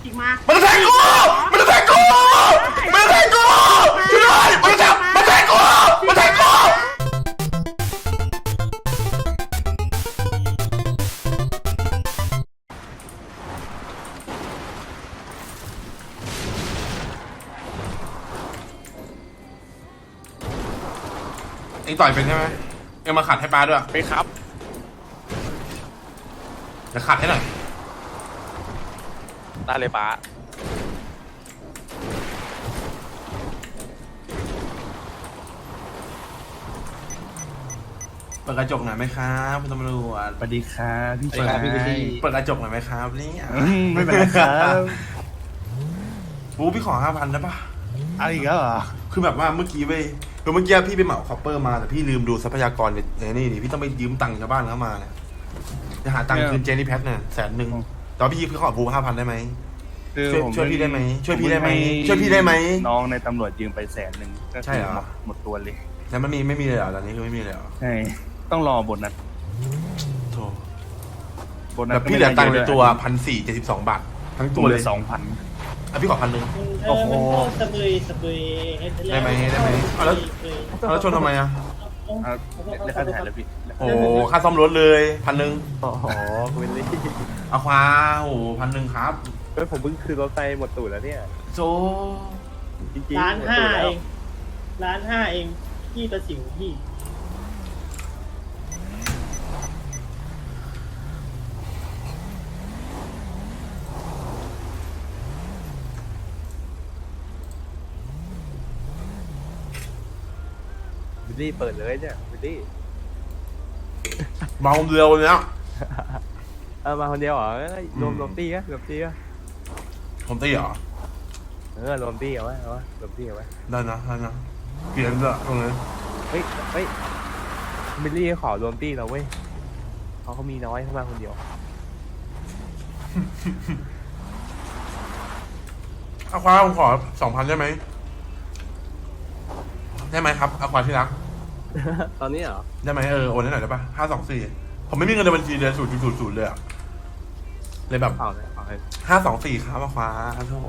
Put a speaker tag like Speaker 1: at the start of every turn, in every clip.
Speaker 1: จิกมา
Speaker 2: มันจะแทงกูมันจะแทงกูมันจะแทงกูช่วยด้วยมันจะแทงกูมันแทงกูเอ็งต่อยเป็นใช่ไหมเอ็งมาขัดให้ป้าด้วย
Speaker 3: ไปครับ
Speaker 2: จะขัดให้หน่อย
Speaker 3: ได้เลยป้า
Speaker 2: เปิดกระจกหน่อยไหมครับคุณตำรวจ
Speaker 4: สวัสดีครับพี่ชาย
Speaker 2: เปิดกระจกหน่อยไหมครับนี่
Speaker 4: ไม่เป็นไรครับ
Speaker 2: บูพี่ขอ5,000ได้ปะ
Speaker 4: อะไรอีกแล้วเหรอ
Speaker 2: คือแบบว่าเมื่อกี้พี่ไปเหมาคอปเปอร์มาแต่พี่ลืมดูทรัพยากรในนี่พี่ต้องไปยืมตังค์ชาวบ้านเข้ามาเนี่ยจะหาตังค์คืนเจนี่แพทเนี่ย100,000แต่พี่ขอบู5,000ได้ไหมช่วยพี่ได้ไหมช่วยพี่ได้ไหม
Speaker 4: น้องในตำรวจยืมไป100,000ก็
Speaker 2: ใช่เหรอ
Speaker 4: หมดตัวเลย
Speaker 2: แล้วมันไม่มีเลยเหรอตอนนี้คือไม่มีเลยเหรอ
Speaker 4: ใช่ต้องรอโบนัส
Speaker 2: โธ่
Speaker 4: โบนัส
Speaker 2: แบบพี่เหลือตังค์ในตัว1,472 บาททั้งตัวเลย
Speaker 4: 2,000
Speaker 2: อ่ะพี่ขอ1,000
Speaker 4: โอ้โห
Speaker 1: สะบุย
Speaker 2: ได้ไหมเอาแล้วชนทำไมอ่ะ
Speaker 4: เรียกค่าถ่ายแล้วพี่
Speaker 2: โอ้ค่าซ่อมรถเลย1,000
Speaker 5: โอ้โหคุณวิลลี่
Speaker 2: เอาควาโอ้1,000ครับ
Speaker 5: เฮ้ยผมเพิ่งคืนรถไปหมดตูดแล้วเนี่ย
Speaker 2: โจ
Speaker 5: จริงๆ
Speaker 1: 1,500,000
Speaker 5: หมดตูดแล้ว
Speaker 1: เอง1,500,000เองพี่ประสิวพี่
Speaker 5: วิลลี่เปิดเลยเนี่ยวิลลี่
Speaker 2: มาคนเดียวเนี้ย
Speaker 5: มาคนเดียวเหรอรวมตี้ก็รวมตี้ก็
Speaker 2: ผมตีเหรอ
Speaker 5: รวมตี้เอาไว้รวมตี้เอาไว้
Speaker 2: ได้นะเปลี่ยนละตรงนี้
Speaker 5: เฮ้ยวิลลี่ขอรวมตี้เราเว้ยเขามีน้อยเข้ามาคนเดียว
Speaker 2: เอาควาผมขอ2,000ได้ไหมครับเอาควาที่รัก
Speaker 5: ตอนนี้เหรอ
Speaker 2: ได้ไหมโอนให้หน่อยได้ปะ524ผมไม่มีเงินในบัญชีเลย0.00เลยอะเลยแบบ
Speaker 5: เอาเลยเอาให้
Speaker 2: 524ครับเอาควาโธ่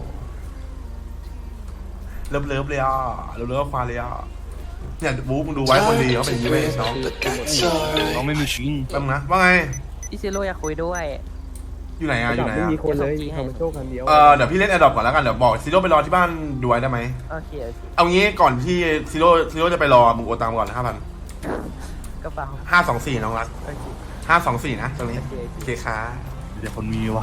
Speaker 2: เลิฟเลยอ่ะเลิฟควาเลยอ่ะเนี่ยบุ๊กมึงดูไว้คนดีเขาเป็นยังไงน้อง
Speaker 4: น้องไม่มีชิ้น
Speaker 2: แป๊บนึงนะว่าไง
Speaker 6: พี่ซิโร่อยากคุยด้วย
Speaker 2: อยู่ไหนอะ
Speaker 5: ไม่มีคนเลยมีคอมเมนโต้คันเดียว
Speaker 2: เดี๋ยวพี่เล่นแอดดอปก่อนแล้วกันเดี๋ยวบอกซิโร่ไปรอที่บ้านดูไว้ได้ไหม
Speaker 6: โอเค
Speaker 2: เอางี้ก่อนที่ซิโร่จะไปรอมึงโอนตังค์ก่อน5,000
Speaker 6: กระเป๋า
Speaker 2: 524น้องรัก
Speaker 6: โอเค
Speaker 2: 524นะตรงนี้โอเคค่ะ
Speaker 4: เดี๋ยวคนมีว่ะ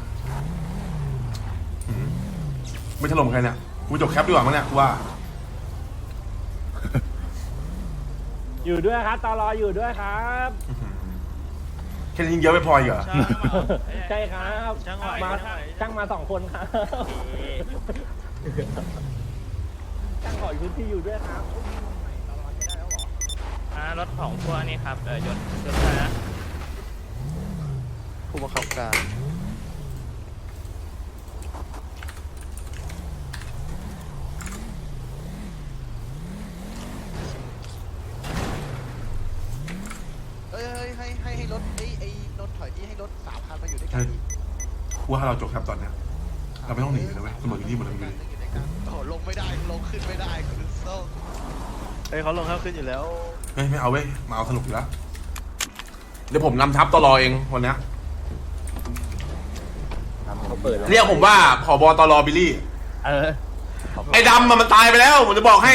Speaker 2: ไม่ถล่มใครเนี่ยกูจบแคปดีกว่ามั้งเนี่ยกูว่า
Speaker 1: อยู่ด้วยครับตลออยู่ด้วยครับ
Speaker 2: แค่นี้ยิงเยอะไม่พออีกเหรอ
Speaker 1: ใช่ครับช่างมา2 คนครับช่างขอพื้นที่อยู่ด้วยครับ
Speaker 3: รถของพวกนี้ครับยศนะ
Speaker 5: ผู้บังคับการให้รถไอ้รถถอยที่ให้รถ3,000มาอยู่ด้วยกัน
Speaker 2: กูว่าถ้าเราจบแคปตอนเนี้ยเราไม่ต้องหนีเลยเว้ยเสมอที่นี่หมดเลย
Speaker 5: โอ้ลงไม่ได้ลงขึ้นไม่ได้คือโซ่
Speaker 3: เฮ้ยเขาลงข้าวขึ้นอยู่แล้ว
Speaker 2: เฮ้ยไม่เอาเว้ยมาเอาสนุกอยู่แล้วเดี๋ยวผมนำทัพตลอเองวันเนี้ย
Speaker 5: เขาเปิดแล้ว
Speaker 2: เรียกผมว่าผบตลบิลลี่
Speaker 4: เ
Speaker 2: ไอ้ดำมันตายไปแล้วผมจะบอกให้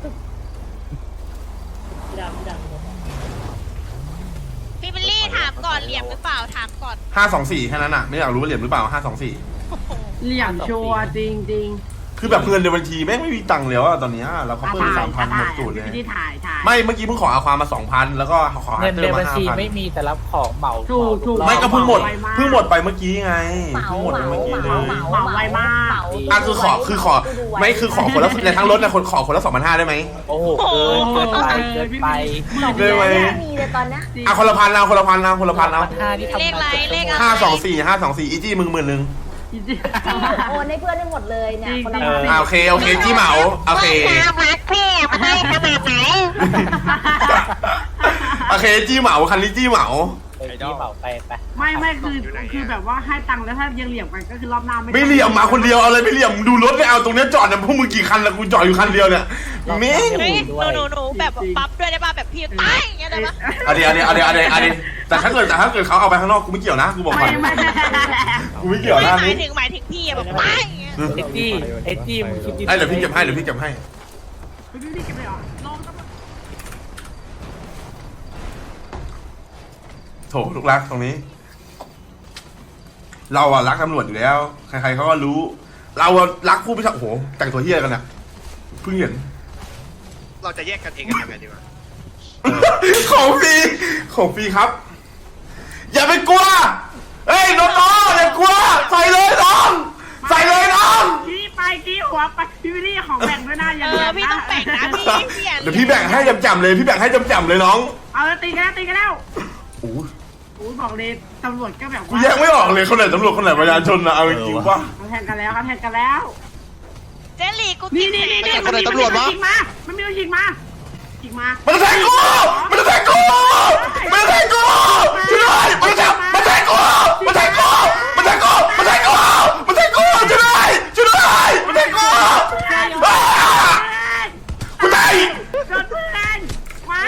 Speaker 1: พี่ดำ
Speaker 7: พี่บิลลี่ถามก่อนเหลี่ยมหรือเปล่าถามก่อน
Speaker 2: 524แค่นั้นอ่ะไม่อยากรู้ว่าเหรียญหรือเปล่า524
Speaker 1: เหลี่ยมชัวจริง
Speaker 2: คือแบบเงินในบัญชีแม่งไม่มีตังค์แล้วอะตอนเนี้ยเราเขาเพิ่ม3,000หมดสูตรเลย
Speaker 1: ที่ถ่าย
Speaker 2: ไม่เมื่อกี้เพิ่งขออาความมา 2,000 แล้วก็ขอ
Speaker 6: เงิน
Speaker 2: เติ
Speaker 6: ใน
Speaker 2: มมา
Speaker 6: บัญชีไม่
Speaker 2: 5,000
Speaker 6: มีแต่รับของเหมา
Speaker 1: ถูก
Speaker 2: ไม่ก็เพิ่งหมดไปเมื่อกี้ไงเพิ่งหมดไปเมื่อกี้เลย
Speaker 1: เหมาไวมาก
Speaker 2: อ่ะคือขอไม่คือขอคนละในทั้งรถนะคนขอคนละ2,500ได้ไหม
Speaker 6: โอ้โหเกินไป
Speaker 2: ได้ไหม
Speaker 7: มีเลยตอนนี้
Speaker 2: อ่ะคนละพันเอาคนละพันเอา
Speaker 6: ท่าที่ทำ
Speaker 7: เลขอะไรเลขอะไร
Speaker 2: 524อีจี้มึง10,000นึง
Speaker 7: โอนให้เพื่อนได้หมดเลยเนี่ยคนละ
Speaker 2: โอเคจี้เหมาโอเค
Speaker 7: รักแค่มาให้ขนาดไหน
Speaker 2: โอเคจี้เหมาคันนี้จี้เหมา
Speaker 6: โอที่เปล่าไป
Speaker 8: ไม่คือแบบว่าให้ตังค์แล้วถ้ายังเหลี่ยมกันก็คือรอบหน้า
Speaker 2: ไม่เหลี่ยมมาคนเดียวเอาอะไรไม่เหลี่ยมดูรถไม่เอาตรงเนี้ยจอดเนี่ยพวกมึงกี่คันแล้วกูจอดอยู่คันเดียวเนี่ยเม้ง
Speaker 9: เฮ้ยหนูแบบปั๊บด้วยได้ป่ะแบบพี่ตายอย่างเงี้ยได้ป่ะ
Speaker 2: เอาดิแต่ถ้าเกิดเขาเอาไปข้างนอกกูไม่เกี่ยวนะกูบอกก่อน
Speaker 8: ไม่
Speaker 2: กูไม่เกี่ยวนะ
Speaker 9: หมายถึงพี่อะแบบตายอย่างเงี้ย
Speaker 6: เอ็ดดี้มึงคิดดี
Speaker 2: เดี๋ยวพี่เก็บให้
Speaker 8: ไม่ได้เก็บเลยเหรอลองต้อง
Speaker 2: โถลูกรักตรงนี้ เราอะรักตำรวจอยู่แล้ว ใครๆเขาก็รู้ เราอะรักผู้พิทักษ์โอ้โหแต่งตัวเฮี้ยกันเนี่ยเพิ่งเห็น
Speaker 3: เราจะแยกกันเองกันยังไงดีวะ
Speaker 2: ของฟรีครับ อย่าไปกลัวเฮ้ยน้องๆอย่ากลัวใส่เลยน้องใส่เลยน้อง
Speaker 8: กี้หัวไปพี่วิลลี่ของแบ่งด้วยนะอย่า
Speaker 9: พี่ต้องแบ่งนะพี่
Speaker 2: เดี๋ยวพี่แบ่งให้จำๆเลยพี่แบ่งให้จำๆเลยน้อง
Speaker 8: เอาแล้วตีกันแล้ว
Speaker 2: โอ้ย
Speaker 8: อู้บอกเลยตำรวจก็แบบ
Speaker 2: กูแยกไม่ออกเลยคนไหนตำรวจคนไหนประชาชนนะเอาจริงๆป่ะ
Speaker 8: เขาแทนกันแล้ว
Speaker 9: เจลลี่กู
Speaker 8: นี่มันมีตัวยิงมามันมีตัวยิงมา
Speaker 2: มันจะแทงกูช่วยด้วยมันแทงกูช่วยด้วยมันแทงกูมันแทงกูช่วยด้วยมันแทงกูกูตาย
Speaker 8: โดนเพื่อนไม้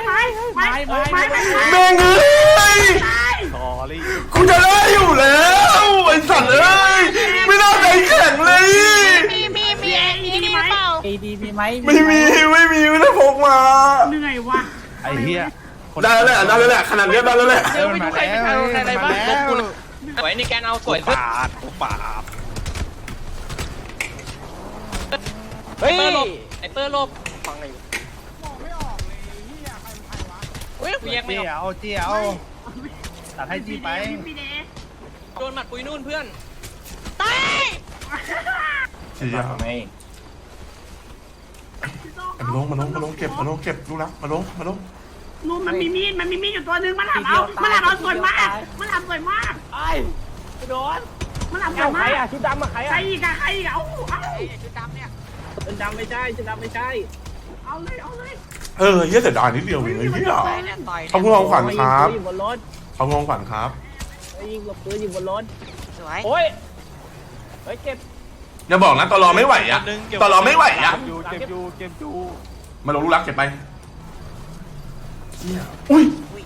Speaker 2: แม่งเอ้ยกูจะได้อยู่แล้วไอ้สัตว์เอ้ยไม่น่าใจแข็งเลย
Speaker 9: มีนี่เปล่า
Speaker 6: เอดีมีไหม
Speaker 2: ไม่ได้พกมา
Speaker 8: เหนื่อยวะ
Speaker 4: ไอ้เหี้ย
Speaker 2: ได้แล้วแหละขนาดนี้ได้แล้วแหละ
Speaker 4: เดินมาแล้ว
Speaker 3: สวยนี่แกเอาสวย
Speaker 4: ปาด
Speaker 3: เฮ้ยไอเตอร์ลบฟังไงเฮ้ยแยกไม่ออก
Speaker 4: เจียวตัดให้จี้ไป
Speaker 8: พี่เดช
Speaker 3: โดนหมัดปุยนู่นเพื่อน
Speaker 9: ตาย
Speaker 2: มาลงเก็บรู้แล้วมาลง
Speaker 8: นู่นมันมีมีดอยู่ตัวนึงมันหลับเอาสวยมาก
Speaker 6: ไอ้โดน
Speaker 8: มันหลับ
Speaker 1: เอาใคร
Speaker 8: มาก
Speaker 1: อะชุดดำอะใคร
Speaker 8: ใคร
Speaker 1: อะ
Speaker 8: อีกอะเอ้า
Speaker 1: ชุดดำไม่ใช่ชุดดำไม่ใช่
Speaker 8: เอาเลย
Speaker 2: เฮียเสียดายนิดเดียวเองเฮียขอบคุณของขวัญครับ
Speaker 1: ยิงบนรถ
Speaker 2: ขอบคุณของขวัญครับ
Speaker 1: ยิงปืนยิงบนรถ
Speaker 9: สวย
Speaker 1: โอ้ยเฮ้ยเก็บ
Speaker 2: อย่าบอกนะตลอไม่ไหวอะตลอไม่ไหวอะ
Speaker 4: เก็บอยู่
Speaker 2: มาลงลูกรักเก็บไปอุ้ย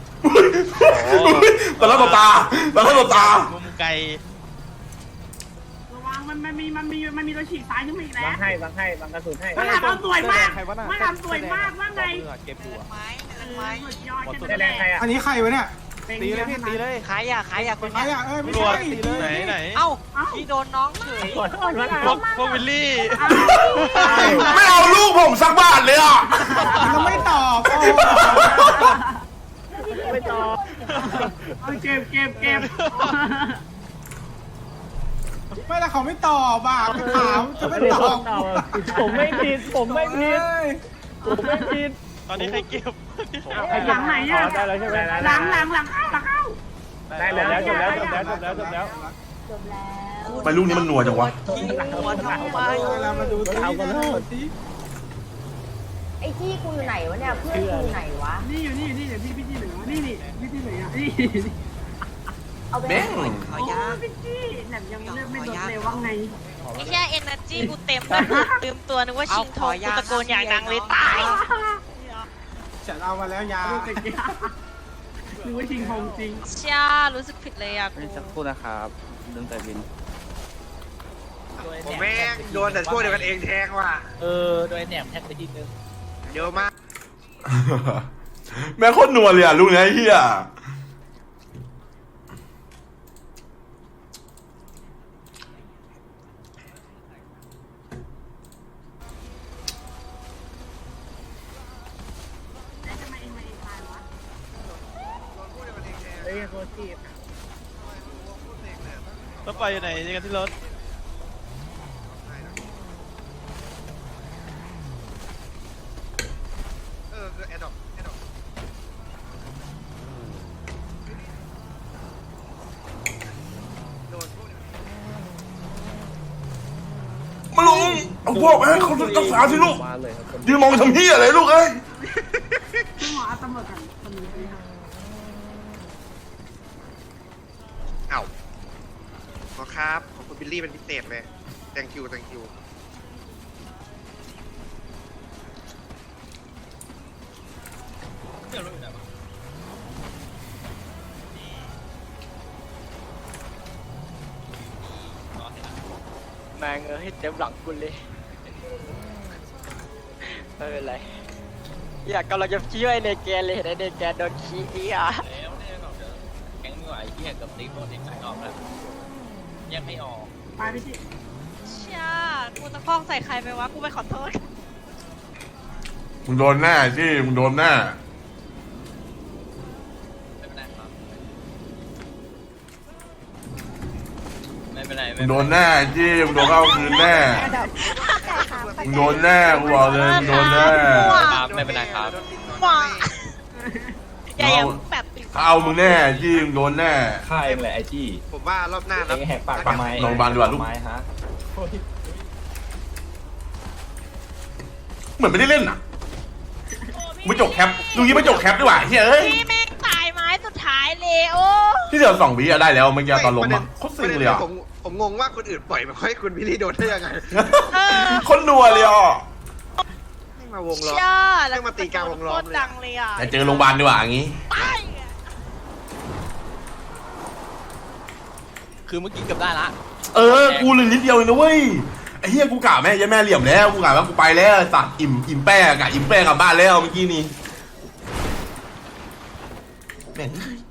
Speaker 2: ตอนแรกตา
Speaker 3: มุมไกล
Speaker 8: ระวังมันมีตัวฉีกซ้ายขึ้นมาอีกแล้ว
Speaker 1: วางกระสุนให้
Speaker 8: มันหลับเอาสวยมากว่าไง
Speaker 4: เก็บอยู่
Speaker 9: ไม้
Speaker 8: สุดยอด
Speaker 1: แดงใครอะ
Speaker 5: อันนี้ใครวะเนี่ย
Speaker 4: ตีเลยพี่ตีเลย
Speaker 9: ขายยาคน
Speaker 5: ใคร
Speaker 9: นี้
Speaker 5: อ่ะไม่
Speaker 3: ตำรวจ
Speaker 5: ใช่
Speaker 3: ไหน
Speaker 9: เอ้าพี่โดนน้องเฉย
Speaker 3: พวกวิลลี่
Speaker 2: ไม่เอาลูกผมสักบาทเลยอ่ะ
Speaker 5: เราไม่ตอบ
Speaker 1: ไม่ต่อ
Speaker 8: เก็บ
Speaker 5: ไม่ละเขาไม่ตอบอ่ะถามจะไม่ตอบ
Speaker 1: ผมไม่ผิด
Speaker 3: ตอนนี้ใครเก็บ
Speaker 8: หลังไหนอ่ะ
Speaker 1: ได้แล้วใช่ไหม
Speaker 8: หลังเข้า
Speaker 1: ได้แล้วจบแล้ว
Speaker 2: ไปลูกนี้มันนัวจังวะ
Speaker 9: หัวทำไม
Speaker 5: มาดู
Speaker 1: เอากันแล้ว
Speaker 7: ไอ้จี้กูอยู่ไหนวะเนี่ยเพื่อนกูอยู่ไหนวะ
Speaker 8: นี่อยู่นี่เดี๋ยวพี่จี้เหลือนี่พี่จี้เหลือนี่
Speaker 7: เอาไป
Speaker 2: เบ้ง
Speaker 9: ขอยา
Speaker 8: พี่จี้แหนมยังเลือกไม่โดนเลยว่าไง
Speaker 9: ไอ้แค่เอเนอร์จีกูเต็มลืมตัวนึกว่าชิงทองกูตะโกนอย่างดังเลยตาย
Speaker 5: ฉันเอามาแล้วยา
Speaker 8: หรือว่าชิงทองจริง
Speaker 9: ช่ารู้สึกผิดเลยอ่ะกู
Speaker 4: สักครู่นะครับเรื่องแต่บิน
Speaker 3: ผมแม่งโดนแต่พวกเดียวกันเองแทงว่ะ
Speaker 6: โดยแหนมแท็กไปทีนึง
Speaker 3: เยอะมาก
Speaker 2: แม่โคตรนัวเลยอ่ะลูกนี้ไอ้เฮีย
Speaker 1: เฮ้ยโคตรจีบ
Speaker 3: ต้องไปอยู่ไหนนี่กันที่รถ
Speaker 2: มาลงเอาพวกให้เขารักษาสิลูก
Speaker 1: มาเลยครับ
Speaker 2: ยืนมองทำเฮียอะไรลูกเอ้ย
Speaker 8: คุณหมอเอาตำรวจกันคนนี้ค่ะ
Speaker 3: ครับขอบคุณบิลลี่เป็นพิเศษเลย thank you thank you
Speaker 6: แมงให้เต็มหลังกูเลยไม่เป็นไรอยากกำลังจะช่วยในแกเลยในแกโดนขี้อ่ะแกงไม่ไหวเหี้ยกับติ๊กโดนติ๊กไหลออกแล้วแยกไม่ออก
Speaker 8: ไปพี่จิ
Speaker 9: เชี่ยกูตะคอกใส่ใครไปวะกูไปขอโทษ
Speaker 2: มึงโดนหน้าจี้มึงโดนหน้า
Speaker 6: ไม่เป็นไร
Speaker 2: มึงโดนหน้าจี้มึงโดนเข้าคืนแน่มึงโดนแน่กูบอกเลยมึงโดนแน่
Speaker 6: ไม่เป็นไรครับ
Speaker 9: หว่าอย่าแบบติด
Speaker 2: เอามึงแน่จี้มึงโดนแน่
Speaker 1: ฆ่าเองแหละไอจี้
Speaker 3: ผมว่ารอบหน้า
Speaker 1: เองแหกปากทำไม
Speaker 2: ลองบานดีกว่าลูก
Speaker 1: ทำไมฮะ
Speaker 2: เหมือนไม่ได้เล่นอ่ะกูไม่จกแคปดูยี่ไม่จกแคปดีกว่าเฮ้ย
Speaker 9: พี่แม่งตายไม้สุดท้ายเลยโอ้
Speaker 2: ที่เดี๋ยว2 วิอะได้แล้วเมื่อกี้ตอนล้มอ่ะโคตรซิงเลยอ่ะ
Speaker 3: ผมงงว่าคนอื่นปล่อยมาให้คุณบิลลี่โดนได้ยังไง
Speaker 2: คนนัวเลยอ่ะ
Speaker 3: ให้มาวงล้อม
Speaker 9: เชี่ย
Speaker 3: แม่งมาตีกลางวงล้อมเลย
Speaker 9: โคตรดังเลยอ่ะ
Speaker 2: แต่เจอโรงพยาบาลดีกว่าอย่างงี้
Speaker 9: ตาย
Speaker 6: คือเมื่อกี้เกือบได้ละ
Speaker 2: เออกูเลยนิดเดียวเองนะเว้ยไอ้เฮียกูกะแม่ยันแม่เหลี่ยมแล้วกูกะว่ากูไปแล้วสัตว์อิ่มแป้กะอิ่มแป้กลับบ้านแล้วเมื่อกี้นี่แม่ง